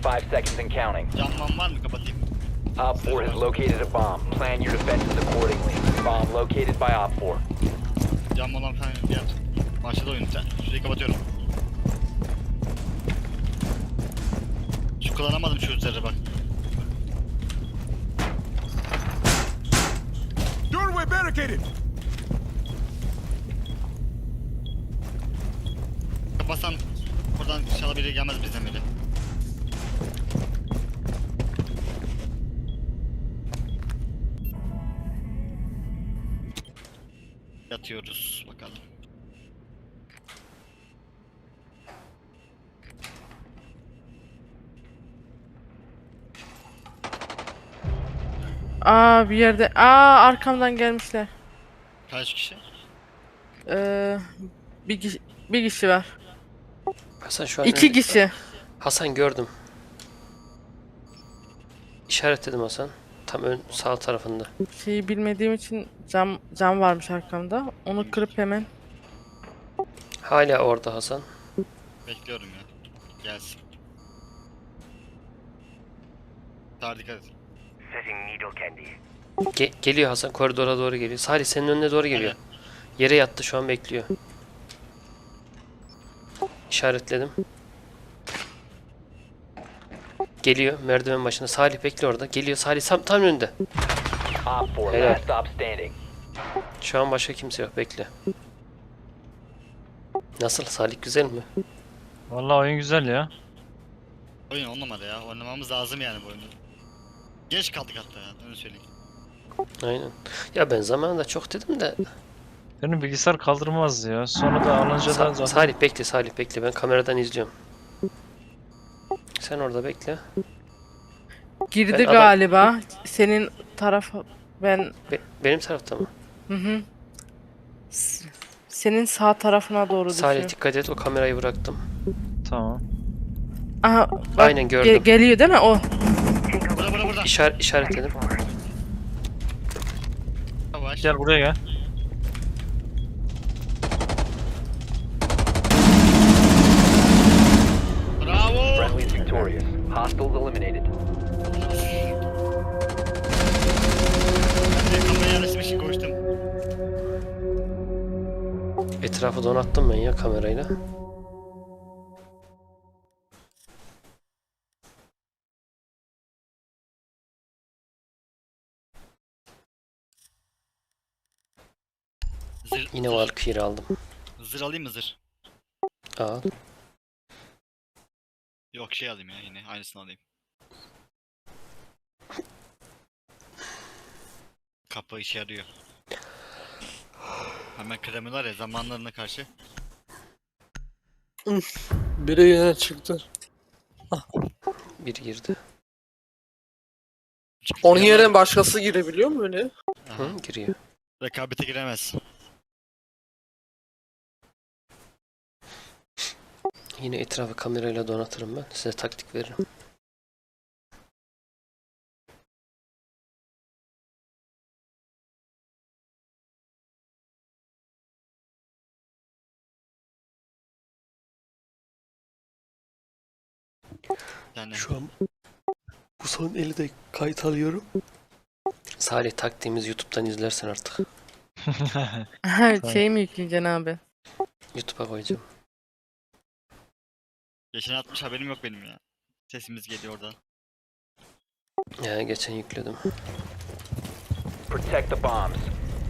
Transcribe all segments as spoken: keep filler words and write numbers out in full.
Five seconds and counting. Camman var mı kapatayım? Op four has located a bomb. Plan your defenses accordingly. Bomb located by Op four. Cam olan falan yap. Başladı oyun. Sen şurayı kapatıyorum. Şu kullanamadım şu üzerine bak. Doorway barricaded. Kapatsan buradan inşallah biri gelmez bizden biri. Yatıyoruz bakalım. Aa bir yerde. Aa arkamdan gelmişler. Kaç kişi? Ee, bir kişi, bir kişi var. Hasan şu an İki önde. kişi. Hasan gördüm. İşaretledim Hasan. Tam ön sağ tarafında. Şeyi bilmediğim için cam cam varmış arkamda. Onu kırıp hemen. Hala orada Hasan. Bekliyorum ya. Gelsin. Sağ dikkat et. Ge- geliyor Hasan, koridora doğru geliyor. Salih senin önüne doğru geliyor. Yere yattı, şu an bekliyor. İşaretledim. Geliyor merdiven başında. Salih bekle orada. Geliyor Salih tam, tam önünde. Op four, Helal. last stop standing. Şu an başka kimse yok, bekle. Nasıl Salih, güzel mi? Vallahi oyun güzel ya. Oyun on numara ya. Oynamamız lazım yani bu oyunu. Geç kaldık hatta ya. Öyle söyleyeyim. Aynen. Ya ben zamanında çok dedim de. Benim bilgisayar kaldırmaz ya. Sonra da alınca da Sa- zaten... Salih bekle, Salih bekle. Ben kameradan izliyorum. Sen orada bekle. Girdi Ben adam- galiba. Senin tarafa ben Be- benim tarafta mı? hı hı. S- Senin sağ tarafına doğru Salih düşüyor. dikkat et, o kamerayı bıraktım. Tamam. Aha bak, Aynen, gördüm. ge- geliyor değil mi o? Burada burada burada. İşar işaretledim. Yavaş. Gel buraya gel. Bravo. Friendly's victorious. Hostiles eliminated. Ben de kameraya yerleşmiş koştum. Etrafı donattım ben ya kamerayla. Zır, Yine zır. Valkyrie aldım. Zır alayım mı zır? Al. Yok şey alayım ya yine aynısını alayım. Kapı işe yarıyor. Hemen kremiler ya zamanlarına karşı. Biri yine çıktı. Bir girdi. Onun yerine başkası girebiliyor mu öyle? Aha, Hı, giriyor. rekabete giremez. Yine etrafı kamerayla donatırım ben. Size taktik veririm. Yani Şu an bu son eli de kayıt alıyorum. Salih, taktiğimiz YouTube'dan izlersen artık. Şey mi yükleyeceksin abi? YouTube'a koyacağım. geçen atmış haberim yok benim ya. Sesimiz geliyor oradan. Ya geçen yükledim. Protect the bombs.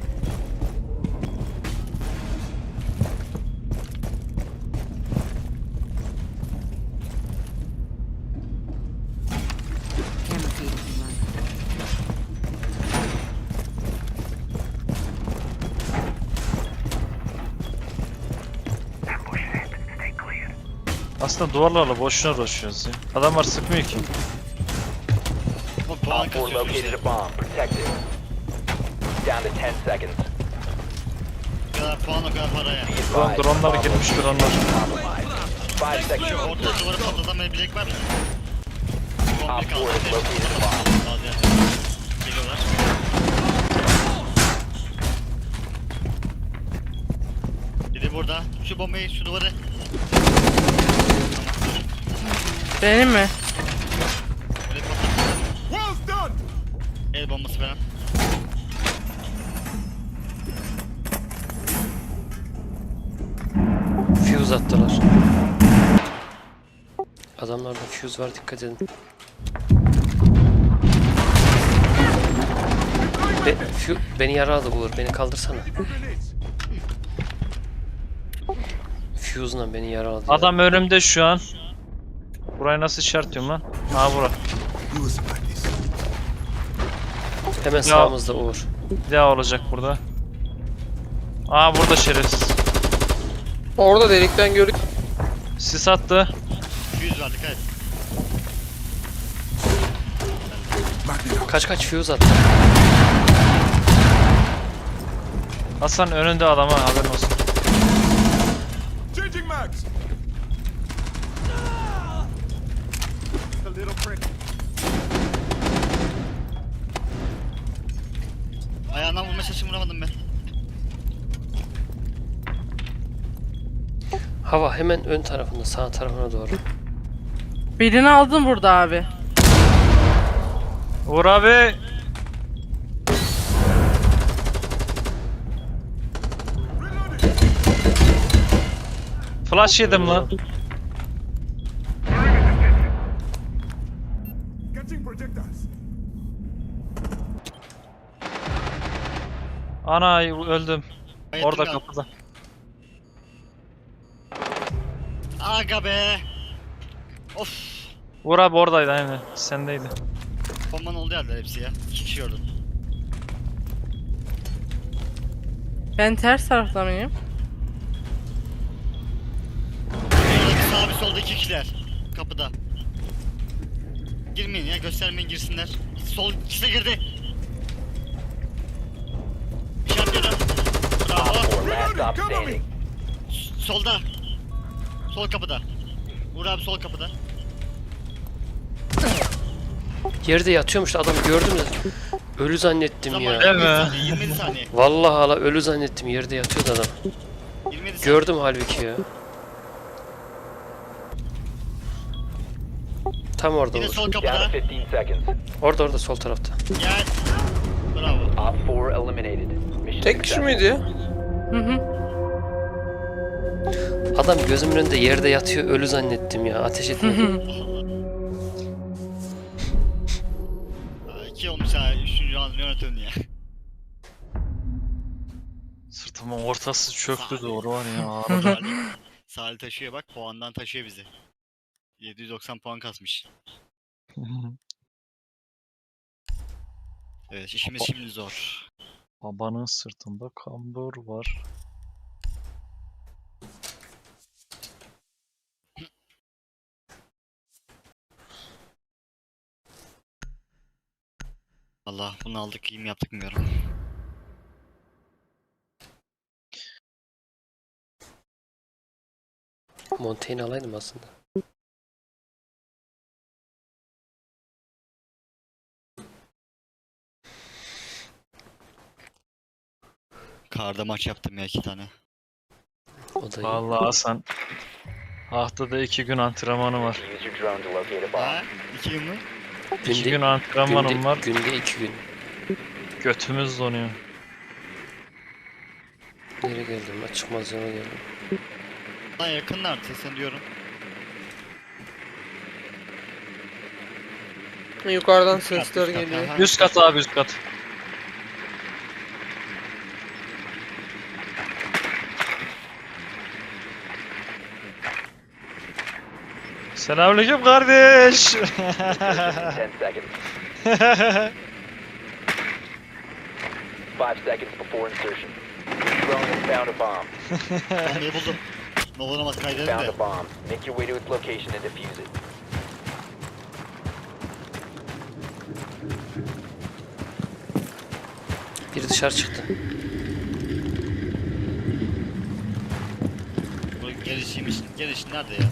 Aslında duvarlarla boşuna uğraşıyoruz ya. Adamlar sıkmıyor ki. Ama puan Op four kasıyorsun located işte. a bomb. Protect it. Down to ten seconds. O kadar puan o kadar para ya. Be Drone, advised, dronlar bomb girmiş location dronlar. is compromised. Five seconds. Şu orta duvarı patlatamayabilecek var mı? Son Op bir kaldı. four has located a bomb. Bazı yer. Geliyorlar. Biri burada. Şu bombayı, şu duvarı. Benim mi? El bombası falan. Fuse attılar. Adamlarda fuse var, dikkat edin. Be, fu- beni yaraladı Uğur, beni kaldırsana. Fuse'la beni yaraladı. ya. Adam önümde şu an. Burayı nasıl işaretliyorum lan? Ha bura. Hemen sağımızda Uğur. Bir daha olacak burada. Aa burada şerefsiz. Orada delikten görük. Sis attı. yüz var dikkat et. Kaç kaç fuse attı. Hasan önünde adam ha, haberin olsun. Changing mags. A little prick. Ayağından vurma çalışım vuramadım ben. Hava hemen ön tarafında, sağ tarafına doğru. Birini aldım burada abi. Uğur abi. Flash yedim lan. Catching projectiles. Ana öldüm. Bayıldım Orada ya. kapıda. Aga be. Of. Uğur abi oradaydı aynen. Sendeydi. Bombanın olduğu yerler hepsi ya. İki kişi gördüm. Ben ters tarafta mıyım? Bir sağ bir solda iki kişiler. Kapıda. Girmeyin ya, göstermeyin, girsinler. Sol ikisi de girdi. İşaretledim. Bravo. Op four last stop standing. Solda. Sol kapıda. Uğur abi sol kapıda. Yerde yatıyormuş da adam, gördün mü? Ölü zannettim Zaman ya. Değil mi? yirmi saniye, yirmi yedi saniye. Vallahi hala ölü zannettim, yerde yatıyordu adam. yirmi yedi saniye. Gördüm halbuki ya. Tam orada Yine Uğur. sol Down kapıda. to fifteen seconds. Orada orada sol tarafta. Gel. Bravo. Op four eliminated. Mission Tek kişi successful. miydi ya? Hı hı. Adam gözümün önünde yerde yatıyor, ölü zannettim ya. Ateş etmedim. Aa, İki olmuş ha. Üçüncü an yönetiyorsun ya. Sırtımın ortası çöktü doğru var ya. Salih, Salih taşıyor bak. Puandan taşıyor bizi. yedi yüz doksan puan kasmış. Evet, işimiz şimdi zor. Babanın sırtında kambur var. Allah, bunu aldık, iyi mi yaptık bilmiyorum. Montaigne alaydım aslında. Karda maç yaptım ya, iki tane. O da iyi. Vallahi Hasan. Haftada iki gün antrenmanı var. Use your drone to locate a bomb. Ha? İki gün mü? İki Günde- gün antrenmanım günde, var. günde iki gün. Götümüz donuyor. Nereye geldim? Ben çıkmaz yana geldim. Lan yakınlardı sen diyorum. Yukarıdan Üst kat, sesler üst kat, geliyor. ha, ha. Üst kat abi üst kat. Selamünaleyküm kardeş. ten seconds. Five seconds before insertion. Drone has found a bomb. Bombayı buldum. Ne olur olmaz kaydedin Found de. a bomb. Make your way to its location and defuse it. Biri dışarı çıktı. Bu gelişiymiş. Geliş nerede ya?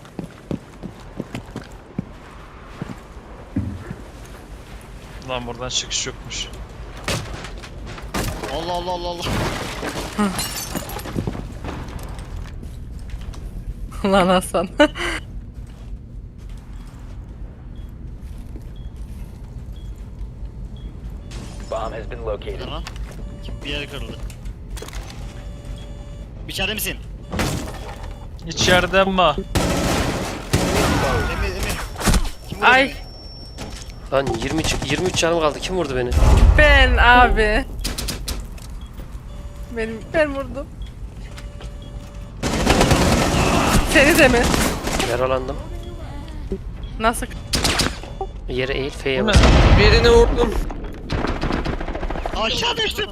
Lan buradan çıkış yokmuş. Allah Allah Allah Allah. Lan Hasan. Bomb has been located. Tamam. Bir yere kırıldı. İçeride misin? İçeride mi? Emir, Emir. Kim vurdu Ay beni? Lan yirmi üç, yirmi üç canım kaldı. Kim vurdu beni? ben abi. Benim ben vurdum. Seni de mi? Yaralandım. Nasıl? Yere eğil F'ye Bu ne? bas. Birini vurdum. Aşağı düştüm.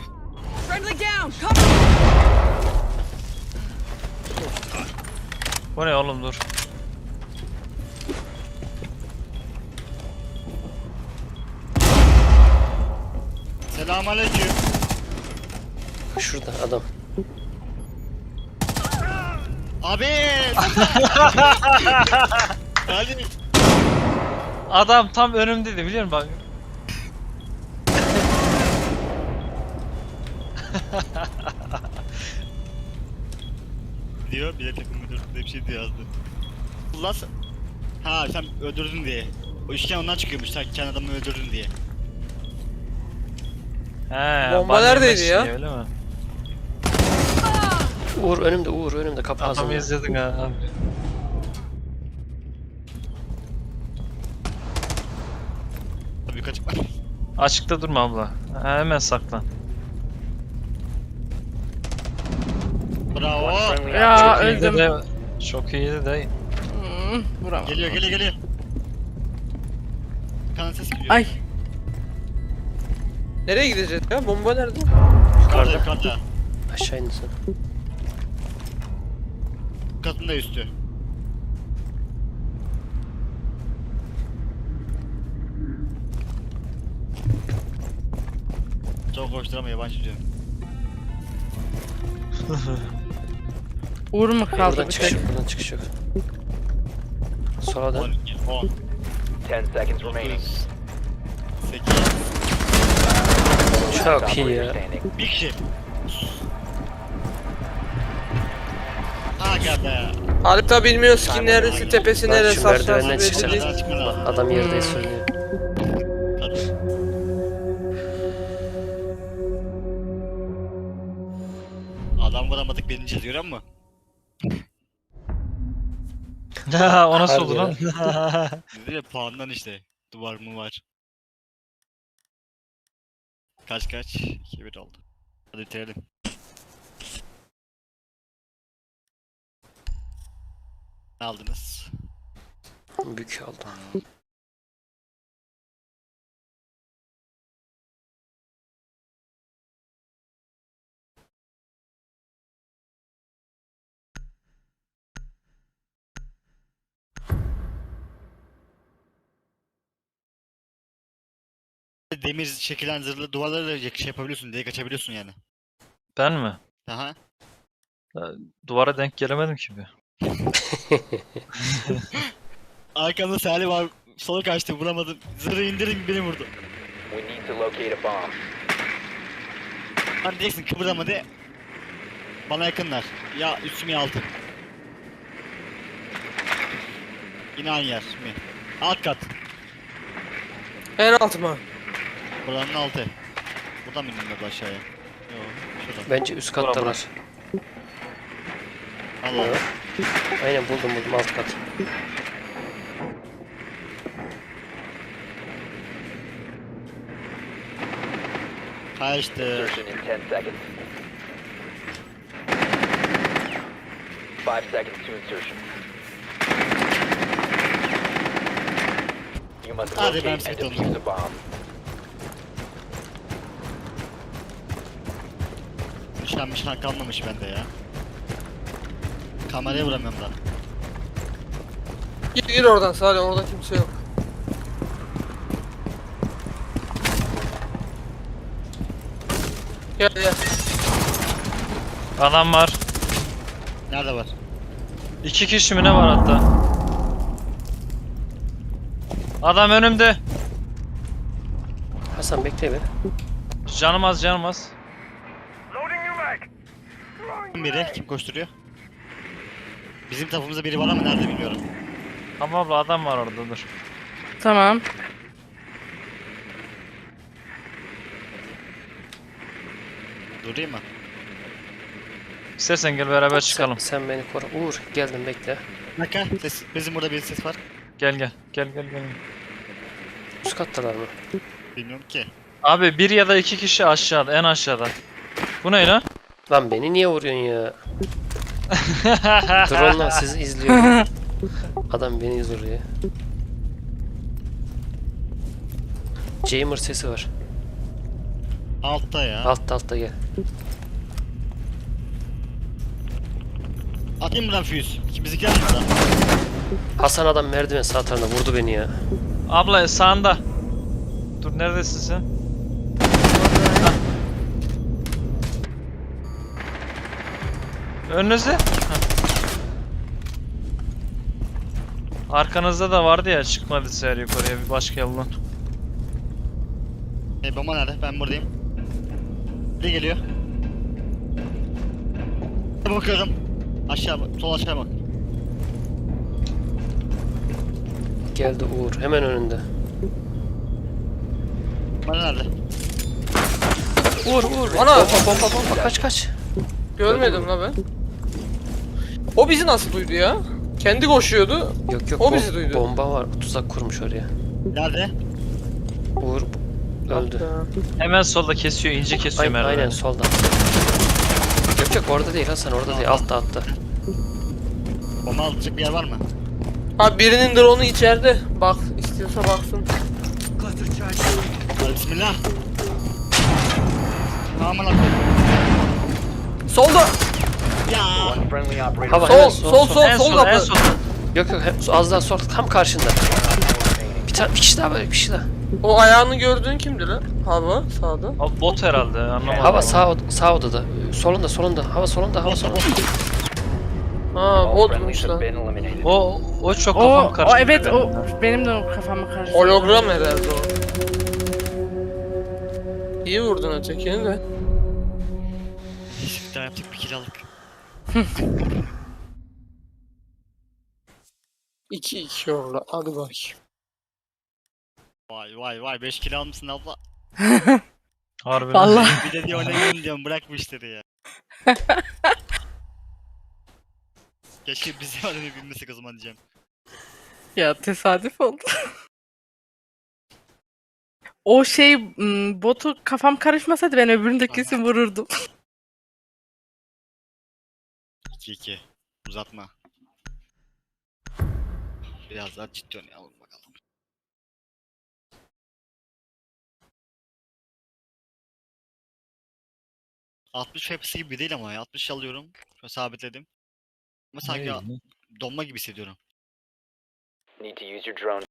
Bu ne oğlum dur. Selamünaleyküm. Şurada adam. Abi. Hadi. Adam tam önümdeydi biliyor musun bak. Diyor bir de takım müdürü bir şey diyor yazdı. Allah sen... Ha sen öldürdün diye. O üçgen ondan çıkıyormuş sen kendi adamı öldürdün diye. He, Bomba ban neredeydi yemesin ya? diye, öyle mi? Uğur önümde, Uğur önümde. Kapı Adamı ağzında. izledin ha abi. Tabii kaçık var. Açıkta durma abla. Ha, hemen saklan. Bravo. One friendly Ya operator Çok iyiydi öldüm. de. Çok iyiydi de. Hmm, vuramadım. Geliyor geliyor geliyor. Kan ses geliyor. Ay Nereye gideceğiz ya? Bomba nerede? Yukarıda yukarıda. Aşağı indin sen. Katında üstü. Çok hoştur ama yabancı diyor. Uğur mu kaldı Buradan bir çıkış tek? yok, buradan çıkış yok. Sola dön. on, ten seconds remaining. sekiz, Çok iyi ya. Standing. bir kişi. Aga be. Halit abi bilmiyoruz ki neresi, tepesi Lan neresi, şu aşağısı merdivenden belli çıkacak. değil. Nereden çıkman lazım? Adam yerde Hmm. söylüyor. Adam vuramadık birinci diyor ama. Ha, o nasıl oldu lan? Dedi ya puandan işte. Duvar mı var? Kaç kaç? iki bir oldu. Hadi bitirelim. Ne aldınız? Bük aldım. Demir şekilen zırhlı duvarları da şey yapabiliyorsun, delik açabiliyorsun yani. Ben mi? Aha. Duvara denk gelemedim ki bir. Arkamda Salih var, sola kaçtı vuramadım. Zırhı indirin beni vurdu. We need to locate a bomb. Hani diyeceksin kıpırdama de. Bana yakınlar. Ya üstüm ya altım. Yine aynı yer mi? Alt kat. En alt mı? Buranın altı. Buradan mı indim aşağıya? Yok. Şuradan. Bence üst kattalar. Allah Allah. Aynen buldum buldum alt kat. Kaçtı. Insertion in ten seconds. Five seconds to insertion. You must Hadi locate ben and set defuse oldum. the bomb. Nişan mişan kalmamış bende ya. Kameraya vuramıyorum da. Gir gir oradan Salih, orada kimse yok. Gel gel. Adam var. Nerede var? İki kişi mi ne var hatta? Adam önümde. Hasan bekle be. Canım az canım az. Biri kim koşturuyor? Bizim tarafımızda biri var ama nerede bilmiyorum. Ama abla adam var orada dur. tamam. Durayım mı? İstersen gel beraber çıkalım. Sen, sen beni koru. Uğur geldim bekle. Bir dakika. Ses, bizim burada bir ses var. Gel gel. Gel gel gel. Üst kattalar mı? Bilmiyorum ki. Abi bir ya da iki kişi aşağıda, en aşağıda. Bu ne lan? Lan beni niye vuruyorsun ya? Drone'la sizi izliyorum. Adam beni izliyor. Jamer sesi var. Altta ya. Altta altta gel. Atayım buradan füyüz. Bizimkiler mi burada? Hasan adam merdiven sağ tarafına vurdu beni ya. Abla sağında. Dur neredesin sen? Hah. Önünüzde. Hah. Arkanızda da vardı ya, çıkmadı seher yukarıya bir başka yoldan. E bomba nerede? Ben buradayım. Ne geliyor? Bakıyorum. Aşağı bak. Sol aşağı bak. Geldi Uğur hemen önünde. Bana nerede? Uğur Uğur. Ana! Bomba bomba bomba kaç kaç. Görmedim la ben. O bizi nasıl duydu ya? Kendi koşuyordu. Yok yok O bom- bizi duydu. bomba var tuzak kurmuş oraya. Nerede? Uğur öldü. Hemen solda kesiyor, ince kesiyor Aynen, merdiveni. aynen solda. Yok yok orada değil Hasan orada değil altta altta. Bomba alacak bir yer var mı? Abi birinin drone'u içeride. Bak istiyorsa baksın. Hadi bismillah. Aman Allah'ım. Solda. Ya. One friendly operator. Hava Sol hemen sol sol En sol solda, en kapı. solda. Yok yok hem- az daha sol tam karşında. Bir tane bir kişi daha var bir kişi daha. O ayağını gördüğün kimdi lan? Hava sağda. Abi bot herhalde, anlamadım. Hava ama. sağ od- sağ odada. Solunda solunda. Hava solunda hava solunda. Ha All botmuş friendlies have lan. been eliminated. O o çok O, kafam o karıştı. evet o benim de o kafamı karıştırdı. Hologram herhalde o. İyi vurdun ötekini de. Bir daha yaptık bir kiralık. iki iki oldu. Hadi bakayım. Vay vay vay beş kilo almışsın abla. Harbiden. Vallahi. Bir de diyor oynayayım diyorum bırak bu işleri ya. Keşke bizi var öyle bilmesek o zaman diyeceğim. Ya tesadüf oldu. O şey m, botu kafam karışmasaydı ben öbüründe kesin vururdum. iki iki. Uzatma. Biraz daha ciddi oynayalım bakalım. altmış F P S gibi değil ama ya. altmış alıyorum. Şöyle sabitledim. Ama sanki Ne? donma gibi hissediyorum. Need to use your drone.